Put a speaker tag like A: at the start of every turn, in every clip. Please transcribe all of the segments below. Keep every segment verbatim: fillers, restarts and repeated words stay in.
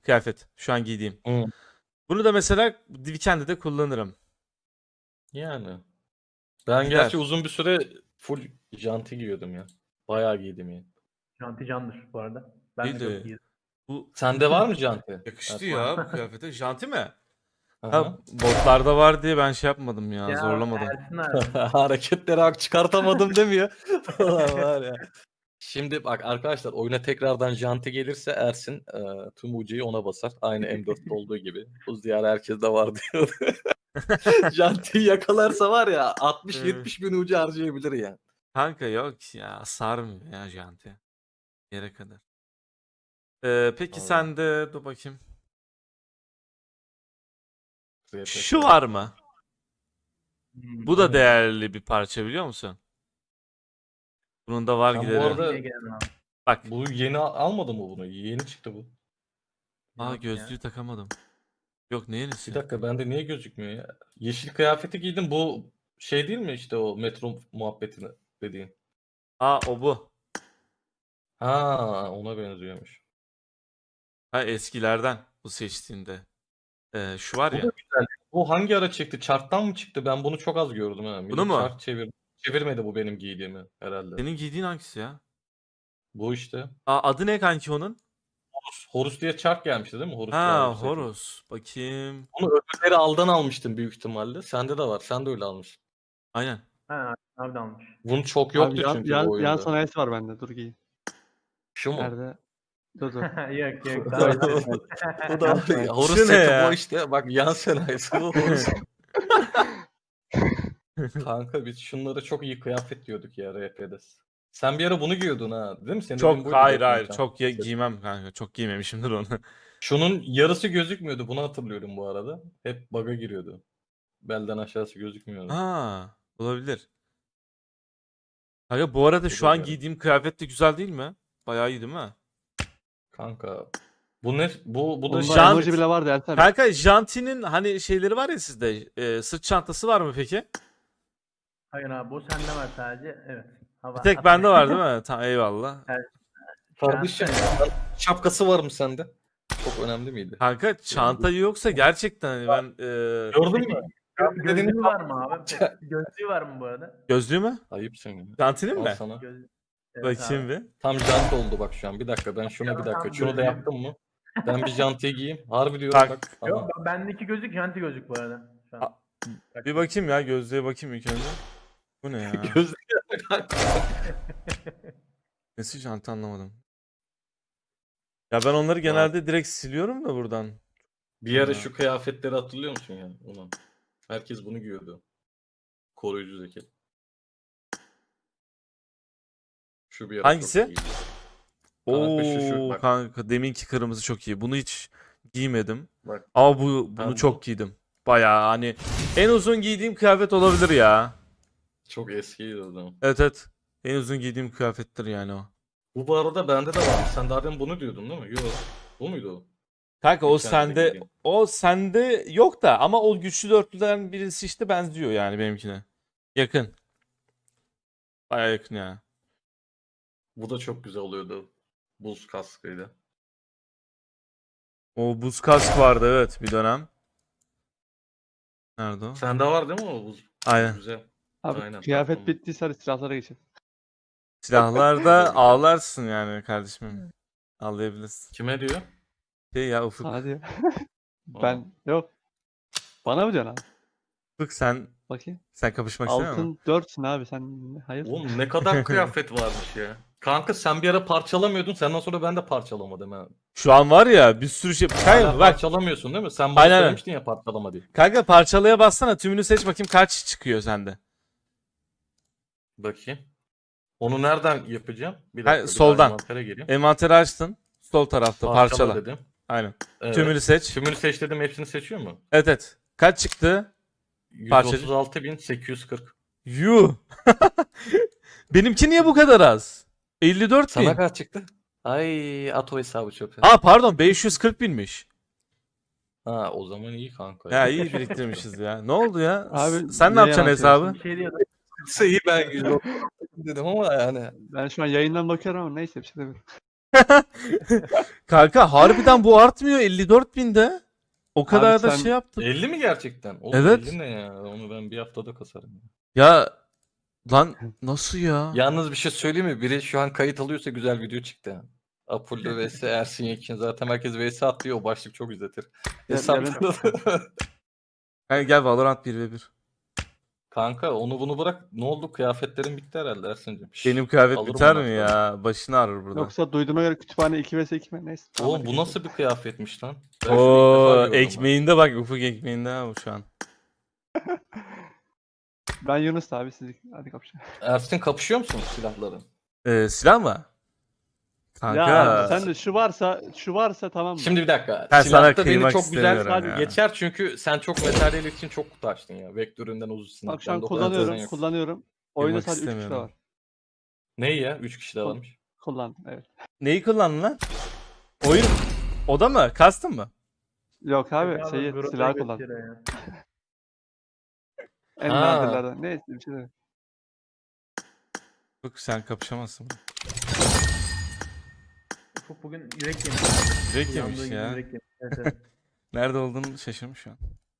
A: kıyafet. Şu an giydiğim.
B: Hı.
A: Bunu da mesela Weekend'de de kullanırım.
B: Yani. Ben
A: Gider.
B: gerçi uzun bir süre full janti giyiyordum ya. Bayağı giydim ya.
C: Janti candır bu arada. Ben
A: İyi
C: de
A: de
C: çok giydim.
A: bu
B: Sende var mı janti?
A: yakıştı
B: Evet.
A: ya bu kıyafete. Janti mi?
B: Hı
A: Ha,
B: hı.
A: botlarda var diye ben şey yapmadım ya,
C: Ya
A: zorlamadım.
C: Ersin abi.
B: Hareketleri hak çıkartamadım demiyor. Ulan var ya. Şimdi bak arkadaşlar, oyuna tekrardan janti gelirse Ersin e, tüm U C'yi ona basar. Aynı M dörtte olduğu gibi. Bu diyar herkeste var diyor. Jantiyi yakalarsa var ya altmış yetmiş bin U C harcayabilir yani.
A: Kanka yok ya, sarmıyor ya janti. Yere kadar. Ee, peki
B: Vallahi.
A: sen de dur bakayım.
B: R P
A: Şu var mı?
C: Hmm,
A: Bu da
B: ne?
A: değerli bir parça, biliyor musun? Bunun da var
B: Sen bu
A: gideri.
B: arada-
C: Yine gelen abi.
A: Bak.
B: Bu yeni al- almadın mı bunu? Yeni çıktı bu.
A: Aa,
C: Yok
A: gözlüğü
C: ya.
A: takamadım. Yok, ne yenisi?
B: Bir dakika, bende niye gözükmüyor ya? Yeşil kıyafeti giydim. Bu şey değil mi işte o metro muhabbetini dediğin?
A: Aa, o bu.
B: Ha, ona benziyormuş.
A: Ha, eskilerden bu seçtiğinde. Ee, şu var
B: Bu
A: ya.
B: da güzel. Bu hangi ara çıktı? Chart'tan mı çıktı? Ben bunu çok az gördüm ha. Millet
A: Bunu mu?
B: Chart çevir çevirmedi bu benim giydiğimi herhalde.
A: Senin giydiğin hangisi ya?
B: Bu işte.
A: Aa, adı ne kanki onun?
B: Horus, Horus diye chart gelmişti değil mi? Horus
A: Ha,
B: çağrı seti.
A: Horus. Bakayım.
B: Bunu öbürleri aldan almıştım büyük ihtimalle. Sende de var. Sen de öyle almışsın.
A: Aynen.
C: Ha, abi de almış.
B: Bunun çok yoktu
D: Abi yan,
B: çünkü
D: yan,
B: bu oyunda.
D: yan sanayisi var bende. Dur giyeyim.
B: Şu mu?
D: Nerede? Dur dur.
C: Yok yok.
B: Bu
C: Tamam.
B: da- bu da
D: Yan
B: Horus
A: Şu ne
B: seti
A: ya?
B: bu işte. Bak yan sanayisi bu Horus. Kanka biz şunlara çok iyi kıyafet diyorduk ya R P'de. Sen bir ara bunu giyiyordun ha, değil mi? Senin dediğin
A: Çok
B: buydu
A: hayır
B: zaten
A: hayır
B: sen.
A: çok ya, giymem kanka. Çok giymemişimdir onu.
B: Şunun yarısı gözükmüyordu. Bunu hatırlıyorum bu arada. Hep bug'a giriyordu. Belden aşağısı gözükmüyordu.
A: Ha, olabilir. Kanka bu arada
B: Bu
A: şu
B: da
A: an
B: yani.
A: giydiğim kıyafet de güzel değil mi? Bayağı iyi değil mi?
B: Kanka bu ne? Bu bu da
D: Bunda
A: Jant-
D: emoji bile vardı Ertan.
A: Kanka Janti'nin hani şeyleri var ya sizde. e, sırt çantası var mı peki?
C: Hayır abi bu sende var sadece. Evet. Hava
A: Bir tek
C: atma.
A: bende var değil mi? Tamam, eyvallah.
B: kardeşim şapkası var mı sende? Çok önemli miydi?
A: Kanka çanta yoksa gerçekten hani ben e,
B: Gördün mü?
C: Gö-
B: Dediğini
C: Gözlüğü var mı abi? Gözlüğü var mı bu arada?
A: gözlüğü mü?
B: Ayıpsın ya.
A: Janti'nin
B: Al
A: mi?
B: sana.
C: Göz... Evet
A: Bakayım
C: abi.
A: bir.
B: Tam jant oldu bak şu an. Bir dakika ben şuna bir dakika.
C: Tam
B: Şunu da
C: gözlüğüm.
B: yaptım mı? Ben bir jantiye giyeyim. Harbi diyorum
A: Bak.
B: bak.
C: Yok
B: Aha.
C: ben- bendeki gözlük janti gözlük bu arada. Şu an.
A: A- Bir bakayım ya, gözlüğe bakayım ilk önce. Bu ne ya?
B: Gözlük.
A: Nesi janti, anlamadım. Ya ben onları genelde direkt siliyorum da buradan.
B: Bir ara
A: Ha.
B: şu kıyafetleri hatırlıyor musun ya? Ulan. Herkes bunu giyiyordu. Koruyucu ceket. Şu bir ara
A: Hangisi?
B: çok iyiydi. Kanka şu şu
A: Oo
B: bak.
A: kanka, deminki kırmızı çok iyi. Bunu hiç giymedim.
B: Bak.
A: Ama bu bunu
B: Ben
A: çok
B: bu-
A: giydim. Bayağı hani en uzun giydiğim kıyafet olabilir ya.
B: Çok eskiydi o zaman.
A: Evet evet. En uzun giydiğim kıyafettir yani o.
B: Bu bu arada bende de var. Sen daha demin bunu diyordun değil mi? Yok. Bu muydu o?
A: Kanka o
B: Geçen
A: sende
B: giydiğim.
A: o sende yok da ama o güçlü dörtlüden birisi işte benziyor yani benimkine. Yakın. Bayağı yakın ya.
B: Bu da çok güzel oluyordu. Buz kaskıyla.
A: O buz kask vardı evet bir dönem. Nerede o?
B: Sende var değil mi o buz?
A: Aynen.
B: Güzel.
D: Abi
B: Aynen,
D: kıyafet
B: tatlım.
D: bittiyse hadi silahlara geçelim.
A: Silahlarda ağlarsın yani kardeşim. Ağlayabilirsin.
B: Kime diyor?
A: Şey ya Ufuk.
D: Hadi ya. Ben yok. Bana mı diyorsun abi?
A: Ufuk sen
D: Bakayım.
A: sen kapışmak istemiyor musun?
D: Altın dörtsün abi sen. Hayır.
B: Oğlum ne kadar kıyafet varmış ya. Kanka sen bir ara parçalamıyordun. Senden sonra ben de parçalamadım ha.
A: Şu an var ya bir sürü şey.
B: Hala
A: Kanka bak.
B: parçalamıyorsun değil mi? Sen bana
A: Aynen.
B: söylemiştin ya parçalama diye.
A: Kanka parçalaya bassana, tümünü seç bakayım kaç çıkıyor sende.
B: Bakayım. Onu nereden yapacağım? Bir
A: Ha,
B: dakika. bir
A: soldan.
B: daha envantere gireyim.
A: Envanteri açtın. Sol tarafta
B: Parçala,
A: parçala.
B: dedim.
A: Aynen.
B: Evet.
A: Tümünü seç.
B: Tümünü seç dedim. Hepsini seçiyor mu?
A: Evet evet. Kaç çıktı? Parçacı.
B: yüz otuz altı bin sekiz yüz kırk.
A: Yuh. Benimki niye bu kadar az? elli dört bin.
B: Sana kaç çıktı? Ay at o hesabı çöpe.
A: Aa pardon, beş yüz kırk binmiş.
B: Ha o zaman iyi kanka.
A: Ya iyi biriktirmişiz ya. Ne oldu ya?
D: Abi,
A: Sen ne
D: niye
A: yapacaksın
D: yalan
A: hesabı?
C: Bir şey diyordum.
B: iyi ben yüz otuz altı bin dedim ama yani.
D: Ben şu an yayından bakıyorum ama neyse bir şey demiyorum.
A: Kanka harbiden bu artmıyor elli dört binde. O kadar
D: Abi
A: da
D: sen-
A: şey yaptık.
B: elli mi gerçekten? Oğlum
A: Evet.
B: elli ne ya? Onu ben bir haftada kasarım.
A: Ya lan nasıl ya?
B: Yalnız bir şey söyleyeyim mi? Biri şu an kayıt alıyorsa güzel video çıktı. Apollo vs Ersin Yekin. Zaten herkes vs atlıyor. O başlık çok izletir.
D: Ya-
B: Hesap...
D: yarın-
A: Hani gel Valorant bir ve bir.
B: Kanka onu bunu bırak. Ne oldu? Kıyafetlerin bitti herhalde Ersin'cim. Şşş,
A: Benim kıyafet
B: alırım
A: biter
B: ondan
A: mi
B: sonra.
A: ya? Başını ağrır burada.
D: Yoksa duyduğuma göre kütüphane iki vs iki mi? Neyse. tamam,
B: Oğlum
D: hadi
B: bu
D: geçelim.
B: nasıl bir kıyafetmiş lan? Ben şunu ilk defa
A: Oo
B: görüyorum ha.
A: ekmeğinde bak ufuk ekmeğinde ha bu şu an.
D: Ben Yunus abi siz hadi kapışalım.
B: Ersin kapışıyor musun silahların?
A: Ee, silah mı? Kanka.
D: Ya abi sen de şu varsa şu varsa tamam mı?
B: Şimdi bir dakika.
A: Ben sana
B: Silahta beni
A: kıymak
B: çok güzel
A: istemiyorum
B: sadece
A: ya.
B: geçer çünkü sen çok materyal için çok kutu açtın ya. Vektöründen uzun
D: Bak şu an
B: bende o kadar
D: kullanıyorum,
B: düzen yok.
D: kullanıyorum. Oyunda
A: Kıymak
D: sadece üç kişi
A: istemiyorum.
D: var.
B: Ne ya? üç kişi de varmış.
D: Kullandım evet.
A: Neyi kullandın lan? Oyun. O da mı? Kastın mı?
D: Yok abi
C: Abi,
D: şeyi
C: Grota'yı
D: silahı kullan.
C: götürüyor ya.
D: En
B: Ha.
D: nadirlerden. Neyse bir şey değil.
A: Yok sen kapışamazsın.
C: Ufuk bugün yürek yemiş.
A: Yürek
C: Uyandığı
A: yemiş
C: gibi
A: ya.
C: Yürek yemiş. Evet, evet.
A: Nerede olduğunu şaşırmış şu an.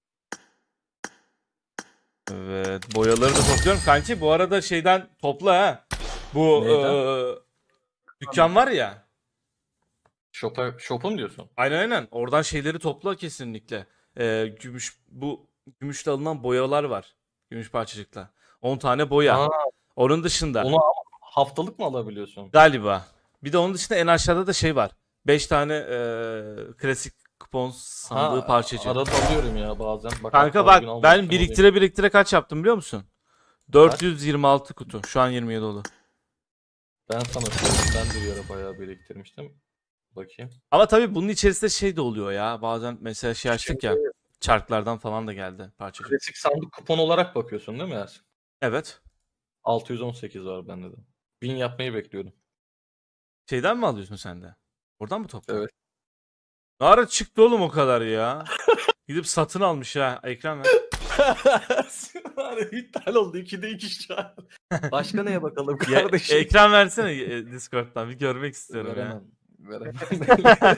A: Evet. Boyaları da topluyorum. Kanki bu arada şeyden topla ha. Bu
B: Neyden?
A: eee, dükkan var ya.
B: Shop'a, shop'a mı diyorsun?
A: Aynen aynen. Oradan şeyleri topla kesinlikle. Eee, gümüş bu gümüşle alınan boyalar var. Gümüş parçacıkla. on tane boya.
B: Aa,
A: Onun dışında
B: onu ama haftalık mı alabiliyorsun?
A: galiba. Bir de onun dışında en aşağıda da şey var. beş tane eee, klasik kupon sandığı
B: Ha,
A: parçacığı.
B: arada alıyorum ya bazen. Bak,
A: Kanka
B: hatta
A: bak
B: bugün
A: ben
B: almamıştım,
A: biriktire biriktire kaç yaptım biliyor musun? dört yüz yirmi altı kutu. Şu an yirmi yedi dolu.
B: alayım. Ben sana söyleyeyim. Ben de bir ara bayağı biriktirmiştim. Bakayım.
A: Ama tabii bunun içerisinde şey de oluyor ya. Bazen mesela şey açtık ya. Çarklardan falan da geldi parçacık.
B: Klasik sandık kupon olarak bakıyorsun değil mi Ersin?
A: Evet.
B: altı yüz on sekiz var bende de. bin yapmayı bekliyorum.
A: Şeyden mi alıyorsun sen de? Oradan mı topladın?
B: Evet.
A: Ne ara çıktı oğlum o kadar ya? Gidip satın almış ha. Ekran ver.
B: Var ya, iptal oldu. ikide iki şu an. Başka neye bakalım
A: Ya,
B: kardeşim?
A: ekran versene e, Discord'dan. Bir görmek istiyorum ya.
B: Veremem. Veremem.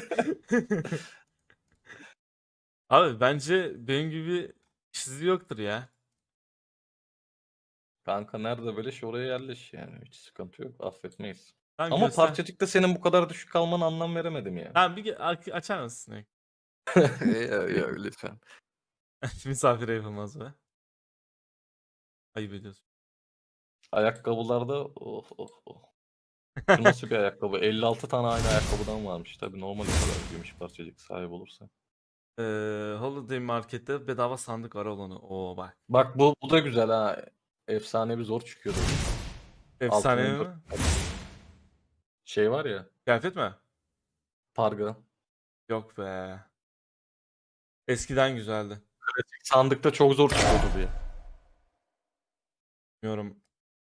A: Abi bence benim gibi çizi yoktur ya.
B: Kanka nerede böyle şey oraya yerleş yani. Hiç sıkıntı yok. Affetmeyiz.
A: Tamam,
B: Ama
A: göster.
B: parçacıkta senin bu kadar düşük kalmana anlam veremedim ya.
A: Tamam bir ge- a- açar mısın?
B: ya, ya, lütfen.
A: Misafire yapılmaz be. Ayıp ediyorsun.
B: Ayakkabılarda oh oh oh. Bu nasıl bir ayakkabı? elli altı tane aynı ayakkabıdan varmış. Tabii normal o kadar gümüş parçacık sahip olursa.
A: Ee, Holiday Market'te bedava sandık var olanı. Oo bak.
B: Bak bu, bu da güzel ha. Efsane bir zor çıkıyordu.
A: Efsane
B: Altının
A: mi?
B: Şey var ya.
A: Kıyafet mi?
B: Parga.
A: Yok be. Eskiden güzeldi.
B: Sandıkta çok zor çıkıyordu diye.
A: Bilmiyorum.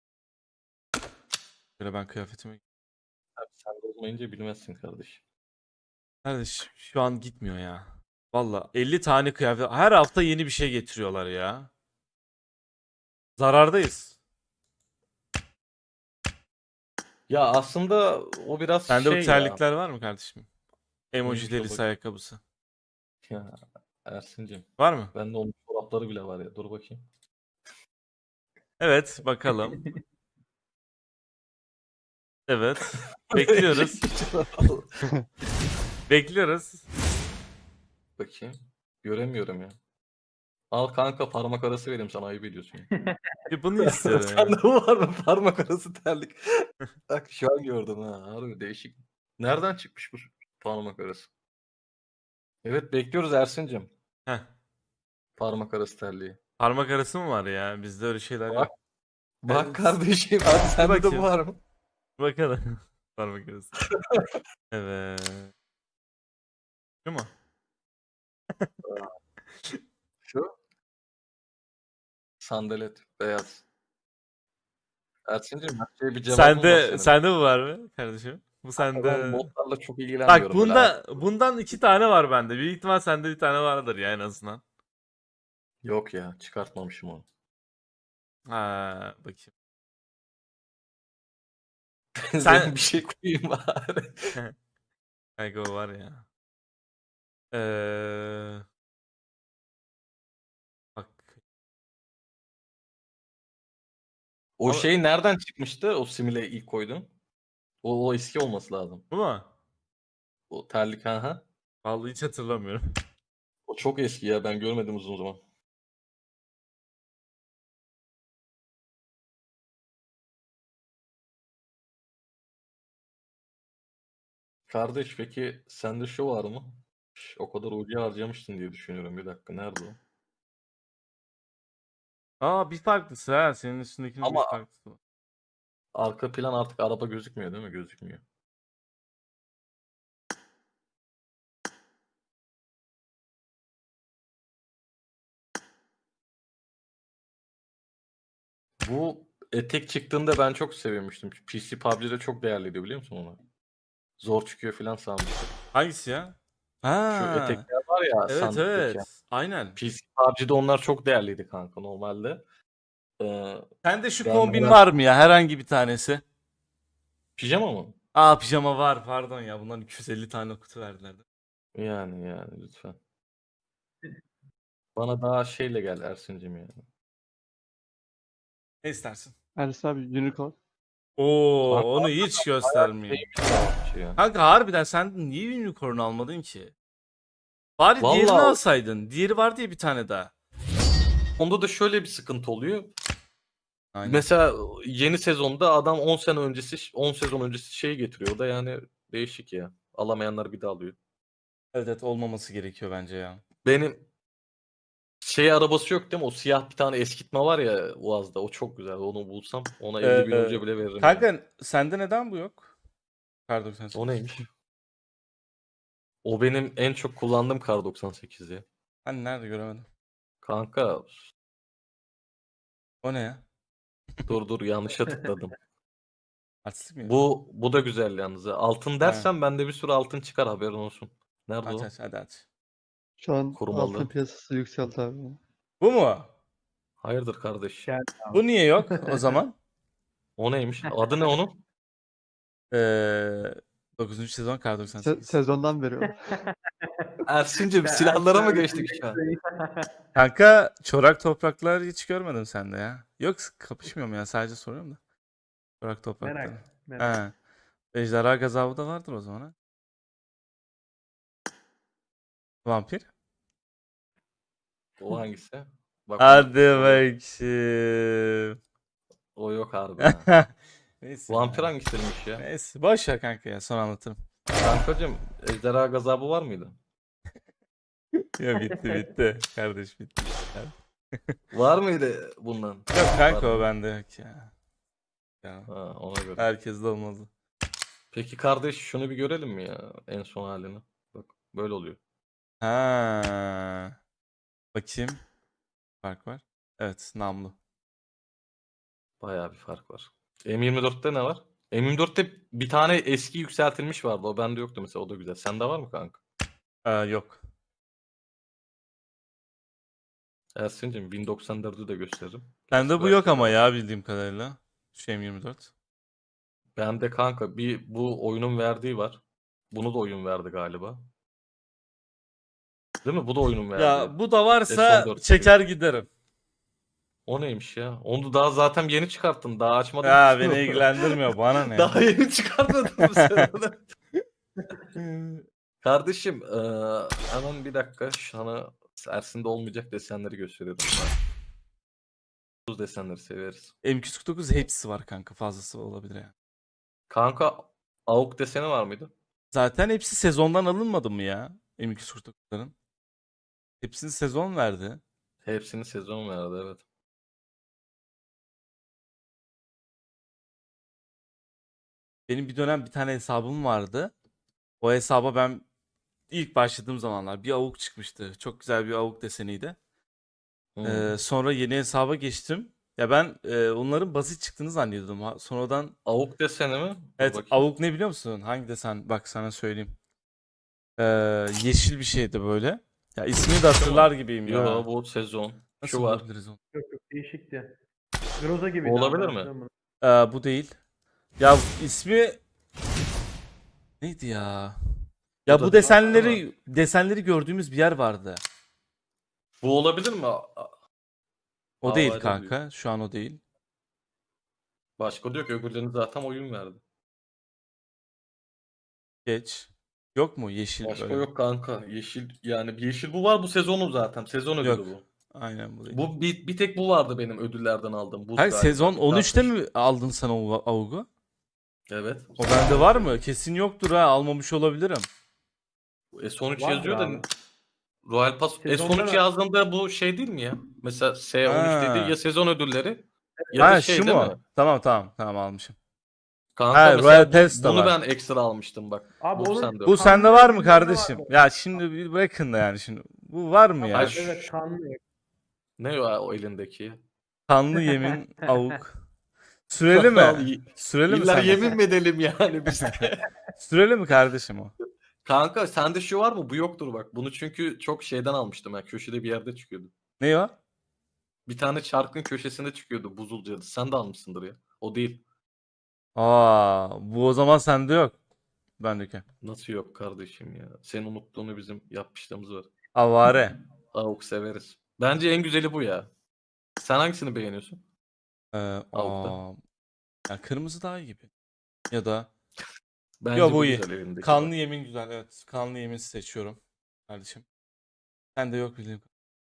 A: Böyle ben kıyafetimi...
B: Abi sen de olmayınca bilmezsin kardeşim.
A: Kardeş şu an gitmiyor ya. Valla elli tane kıyafet. Her hafta yeni bir şey getiriyorlar ya. Zarardayız.
B: Ya aslında o biraz
A: Sende
B: şey
A: bu terlikler var mı kardeşim? Emoji
B: Neymiş o
A: delisi
B: bakayım?
A: ayakkabısı.
B: ya. Ya Ersin'cim.
A: Var mı?
B: Bende onun çorapları bile var ya. Dur bakayım.
A: Evet bakalım. Evet. Bekliyoruz. Bekliyoruz.
B: Bakayım. Göremiyorum ya. Al kanka parmak arası vereyim sana ayıp ediyorsun. ya.
A: Bir bunu istiyorum ya.
B: Sende bu var mı parmak arası terlik? Bak şu an gördüm ha. Harbi değişik. Nereden çıkmış bu parmak arası? Evet bekliyoruz Ersin'cim.
A: Heh.
B: Parmak arası terliği.
A: Parmak arası mı var ya? Bizde öyle şeyler
B: Bak.
A: yok.
B: Bak
A: Evet.
B: kardeşim hadi sende de
A: bakayım.
B: bu var mı?
A: Bakalım. Parmak arası. Evet. Şu mu?
B: Şu. Sandalet beyaz. Ersin'cim her şeye bir cevabım var
A: Sende
B: senin.
A: sende bu var mı kardeşim? Bu
B: Ben
A: sende.
B: modlarla çok ilgilenmiyorum.
A: Bak
B: böyle
A: bunda
B: ayakkabı.
A: bundan iki tane var bende. Büyük ihtimal sende bir tane vardır ya en azından.
B: Yok ya çıkartmamışım onu.
A: Ha bakayım.
B: Sen bir şey koyayım bari.
A: Kanka o var ya. Ee, bak.
B: O
A: Ama-
B: şey nereden çıkmıştı? O simile ilk koydun. O, o eski olması lazım.
A: Bu mu?
B: O terlik ha ha.
A: Vallahi hiç hatırlamıyorum.
B: O çok eski ya, ben görmedim uzun zaman. Kardeş peki sende şu var mı? Şş, o kadar ucu harcamıştın diye düşünüyorum. Bir dakika, nerede o?
A: Aa bir farklısı ha. Senin üstündekinin
B: Ama-
A: bir farklısı var.
B: Arka plan artık araba gözükmüyor değil mi? Gözükmüyor. Bu etek çıktığında ben çok sevinmiştim. P C P U B G'de çok değerliydi, biliyor musun onu? Zor çıkıyor falan sanmıştım.
A: Hangisi ya?
B: Şu
A: Ha.
B: etekler var ya
A: Evet
B: sandıktaki.
A: evet. Aynen.
B: P C P U B G'de onlar çok değerliydi kanka normalde. Ee,
A: Sende şu
B: Ben
A: kombin
B: merak-
A: var mı ya? Herhangi bir tanesi.
B: pijama mı?
A: Aa pijama var pardon ya. Bundan iki yüz elli tane kutu verdiler.
B: Yani yani lütfen. Bana daha şeyle gel Ersin'cim ya.
A: Ne istersin?
D: Ersin abi unicorn.
A: Oo
B: Kanka,
A: onu hiç göstermeyeyim.
B: Neymiş ya? ya.
A: Kanka harbiden sen niye unicorn almadın ki? Bari
B: Vallahi-
A: diğerini alsaydın. Diğeri vardı ya bir tane daha.
B: Onda da şöyle bir sıkıntı oluyor.
A: Aynen.
B: Mesela yeni sezonda adam on sene öncesi, on sezon öncesi şeyi getiriyor. O da yani değişik ya. Alamayanlar bir daha alıyor.
A: Evet, evet olmaması gerekiyor bence ya.
B: Benim şey arabası yok değil mi? O siyah bir tane eskitme var ya Uaz'da. O çok güzel. Onu bulsam ona elli bin
A: Ee,
B: hoca bile veririm.
A: Kanka
B: yani.
A: sende neden bu yok? Kar doksan sekiz.
B: O neymiş? O benim en çok kullandığım Kar doksan sekiz ya.
A: Hani nerede göremedim.
B: Kanka
A: O ne ya?
B: dur dur yanlışa tıkladım.
A: Artistik mi?
B: Bu bu da güzel yalnız. ha. Altın dersen bende bir sürü altın çıkar, haberin olsun. Nerede
A: Aç
B: o?
A: aç hadi aç.
D: Şu an
B: Korumalı.
D: altın piyasası yükseldi abi.
A: Bu mu?
B: Hayırdır kardeş?
C: Gel.
A: Bu niye yok o zaman?
B: O neymiş? Adı ne onun?
A: Ee, dokuzuncu sezon Kar doksan
D: Se-
A: sekiz.
D: sezondan veriyor.
B: Ersin'cim
C: Ben
B: silahlara mı
C: Ersin'e
B: geçtik şu an?
A: Kanka çorak topraklar hiç görmedim sende ya. Yok kapışmıyorum ya sadece soruyorum da. Çorak topraklar.
C: Merak. Merak.
A: He. Ejderha gazabı da vardır o zaman ha. Vampir.
B: O hangisi? Bak,
A: Hadi
B: o,
A: bakayım.
B: o yok harbi. ha.
A: Neyse.
B: Vampir
A: ya.
B: hangisiymiş ya?
A: Neyse boş ver kanka ya sonra anlatırım.
B: Kankacım ejderha gazabı var mıydı?
A: Ya bitti bitti. Kardeş bitti.
B: Var mıydı bundan?
A: Yok kanka
B: Var
A: o
B: mı?
A: bende yok ya. Ya
B: Ha, ona göre.
A: herkes de olmalı.
B: Peki kardeş şunu bir görelim mi ya en son halini? Bak böyle oluyor.
A: Ha. Bakayım. Fark var. Evet namlu.
B: Bayağı bir fark var. M yirmi dörtte ne var? M yirmi dörtte bir tane eski yükseltilmiş vardı. O bende yoktu mesela. O da güzel. Sende var mı kanka?
A: Ee, yok.
B: Ersin'cim bin doksan dördü de gösteririm.
A: Bende bu
B: Gerçi
A: yok
B: belki
A: ama
B: de-
A: ya bildiğim kadarıyla. Şu M yirmi dört.
B: Bende kanka bir bu oyunun verdiği var. Bunu da oyun verdi galiba. Değil mi? Bu da oyunun verdiği.
A: Ya bu da varsa
B: Ve son dört
A: çeker giderim.
B: O neymiş ya? Onu daha zaten yeni çıkarttın. Daha açmadın.
A: Ya
B: ki.
A: beni ilgilendirmiyor bana ne?
B: Daha yeni çıkartmadın mı sen onu? Kardeşim eee, hemen bir dakika sana Ersin'de olmayacak desenleri gösteriyorum. Bu desenleri severiz.
A: M iki yüz kırk dokuz hepsi var kanka fazlası olabilir yani.
B: Kanka A U K deseni var mıydı?
A: Zaten hepsi sezondan alınmadı mı ya? M iki yüz kırk dokuzların. Hepsini sezon verdi.
B: Hepsini sezon verdi, evet.
A: Benim bir dönem bir tane hesabım vardı. O hesaba ben ilk başladığım zamanlar bir avuk çıkmıştı. Çok güzel bir avuk deseniydi.
B: Hmm.
A: Ee, sonra yeni hesaba geçtim. Ya ben e, onların basit çıktığını zannediyordum. Ha- Sonradan
B: A U K deseni mi? Dur
A: evet
B: bakayım.
A: avuk ne biliyor musun? Hangi desen? Bak sana söyleyeyim. Ee, yeşil bir şeydi böyle. Ya ismini de hatırlar gibiyim ya.
B: Yo, bu sezon.
A: Nasıl
B: Şu var.
A: bulabiliriz onu?
C: Yok yok değişikti. Groza gibi.
B: Olabilir mi?
A: Ee, bu değil. Ya ismi neydi ya? Ya
B: Bu da
A: bu
B: değil ama.
A: desenleri desenleri gördüğümüz bir yer vardı.
B: Bu olabilir mi? A-
A: O değil
B: Havale
A: kanka. Şu an o değil.
B: Başka diyor ki öbürlerine zaten oyun verdi.
A: Geç. Yok mu yeşil
B: Başka
A: böyle?
B: yok kanka. Yeşil yani bir yeşil bu var bu sezonu zaten. Sezon ödülü
A: Yok.
B: bu.
A: Aynen bu değil.
B: Bu bir, bir tek bu vardı benim ödüllerden aldığım. Buz
A: Kanka
B: galiba.
A: sezon on üçte
B: Dağıtmış.
A: mi aldın sen o avugu?
B: Evet.
A: O bende var mı? Kesin yoktur ha. Almamış olabilirim.
B: S on üç
C: Vardır
B: yazıyor da
C: abi.
B: Royal Pass
C: Sezonda
B: S on üç
C: da-
B: yazdığında bu şey değil mi ya? Mesela S on üç
A: Ha.
B: dediği ya sezon ödülleri ya da
A: Ha
B: şey
A: şu
B: değil
A: mu?
B: mi?
A: Tamam tamam tamam almışım.
B: Kanka
A: Ha,
B: mesela
A: Royal
B: bu-
A: Pass de
B: bunu
A: var.
B: ben ekstra almıştım bak.
C: Abi
B: bu
C: onun-
B: sende
A: Bu
B: yok.
A: sende var mı
C: Kanlı
A: kardeşim?
C: var.
A: Ya şimdi bir bırakın da yani şimdi. Bu var mı ya?
B: Ay,
A: Şu
C: Evet kanlı.
B: Ne o, o elindeki?
A: kanlı yemin avuk. Süreli
B: Al,
A: mi?
B: y-
A: Süreli mi
B: İlla
A: sende?
B: yemin mi edelim yani biz de?
A: Süreli mi kardeşim o?
B: Kanka sende şu var mı? Bu yoktur bak. Bunu çünkü çok şeyden almıştım ben. Köşede bir yerde çıkıyordu.
A: Ne o?
B: Bir tane çarkın köşesinde çıkıyordu buzul cadı. Sen de almışsındır ya. O değil.
A: Aa, bu o zaman sende yok. Bendeki.
B: Nasıl yok kardeşim ya? Senin unuttuğunu bizim yapmışlığımız var.
A: Avare.
B: Avuk severiz. Bence en güzeli bu ya. Sen hangisini beğeniyorsun?
A: Ee,
B: Avuk'ta.
A: aa, ya kırmızı daha iyi gibi. Ya da
B: Bence
A: Yo, bu
B: bu
A: iyi.
B: güzel elindeki.
A: kanlı
B: bak.
A: yemin güzel. Evet. Kanlı yemin seçiyorum. Kardeşim. Sende yok bildiğim.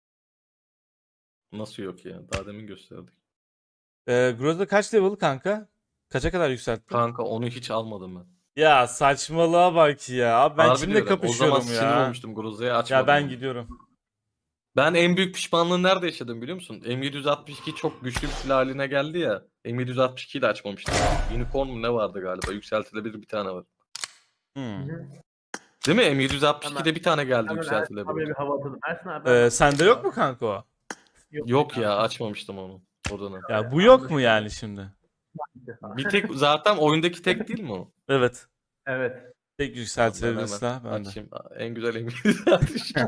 B: Nasıl yok ya? Daha demin gösterdik.
A: Ee, Groza kaç level kanka? Kaça kadar yükselttin?
B: Kanka onu hiç almadım ben.
A: Ya saçmalığa bak ya. Abi ben
B: Harbi
A: kimle
B: diyorum. O
A: kapışıyorum
B: zaman sinir
A: ya?
B: olmuştum Groza'ya açmadım.
A: Ya ben
B: onu.
A: gidiyorum.
B: Ben en büyük pişmanlığı nerede yaşadım biliyor musun? M yedi altmış iki çok güçlü bir silah haline geldi ya. M yedi altmış ikiyi de açmamıştım. Unicorn mu ne vardı galiba? Yükseltilebilir bir tane var.
A: Hmm.
B: Değil mi? M yedi altmış ikide
C: Hemen-
B: bir tane geldi
C: Hemen Ersin
B: yükseltilebilir.
C: abiye bir hava atalım. Ersin abi.
A: Ee,
C: ben-
A: sende yok mu kanka o?
B: Yok ya açmamıştım onu. O dönem.
A: Ya bu yok mu yani şimdi?
B: Bir tek zaten oyundaki tek değil mi o?
A: Evet.
C: Evet.
A: Tek
B: Ben
A: yükseltilebilir
B: hemen
A: silah bende.
B: açayım. En güzel M yedi altmış iki.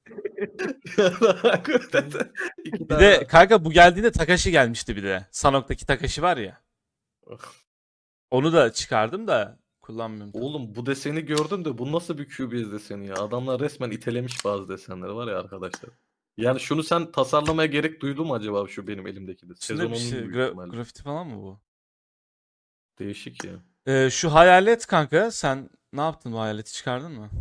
B: İki
A: Bir
B: tane
A: de
B: var.
A: kanka bu geldiğinde Takashi gelmişti bir de. Sanok'taki Takashi var ya. Onu da çıkardım da kullanmıyorum. tabii.
B: Oğlum bu deseni gördüm de bu nasıl bir Q B S deseni ya? Adamlar resmen itelemiş bazı desenleri var ya arkadaşlar. Yani şunu sen tasarlamaya gerek duydun mu acaba şu benim elimdeki de?
A: İçinde
B: Sezon
A: bir
B: onun
A: şey,
B: büyük
A: gra-
B: ihtimalle.
A: grafiti falan mı bu?
B: Değişik ya.
A: Ee, şu hayalet kanka sen ne yaptın bu hayaleti çıkardın mı?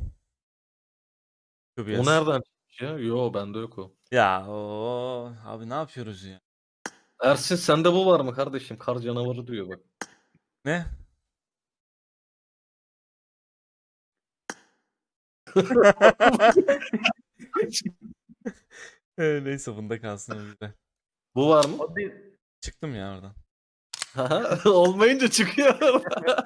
A: Q B S.
B: O nereden çıkmış ya? Yo bende yok o.
A: Ya o abi ne yapıyoruz ya?
B: Ersin sende bu var mı kardeşim? Kar canavarı diyor bak.
A: Ne? Ee, Neyse bunda kalsın o güzel.
B: Bu var mı?
C: O değil.
A: Çıktım ya oradan.
B: Olmayınca çıkıyor.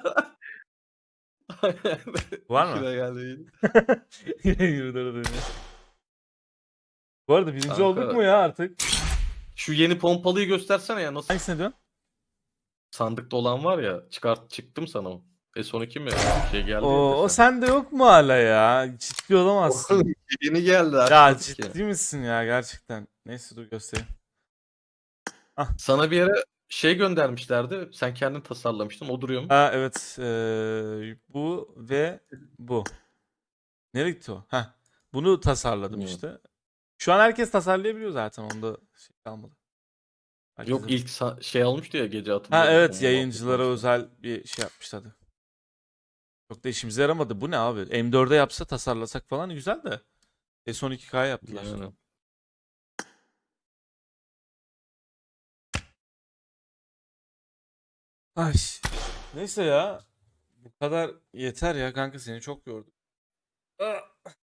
A: Var mı?
B: İşine geldi.
A: Yine yirmi dörde dönüyor. Bu arada birinci
B: Kanka.
A: olduk mu ya artık?
B: Şu yeni pompalıyı göstersene ya nasıl
A: Hangisine diyorsun?
B: sandıkta olan var ya çıkart çıktım sana o. S on iki mi? Şey geldi
A: O,
B: ya
A: o
B: desen.
A: sende yok mu hala ya? Ciddi olamazsın.
B: Yeni geldi
A: Ya
B: açmadık ki.
A: ciddi misin ya gerçekten? Neyse dur göstereyim.
B: Sana bir yere şey göndermişlerdi. Sen kendin tasarlamıştın. O duruyor mu?
A: Ha evet eee, bu ve bu. Nereye gitti o? Heh. Bunu tasarladım
B: Hmm.
A: işte. Şu an herkes tasarlayabiliyor zaten onda şey kalmadı. Herkes
B: Yok ilk sa- şey almıştı ya gece hatırlıyor
A: Ha
B: musun?
A: evet
B: Onun
A: yayıncılara
B: muhabbeti
A: özel bir şey yapmışlardı. Çok da işimize yaramadı. Bu ne abi? M dörde yapsa tasarlasak falan güzel de. S on iki K yaptılar.
B: Yani.
A: Ay. Neyse ya. Bu kadar yeter ya kanka seni çok yordum. Ah.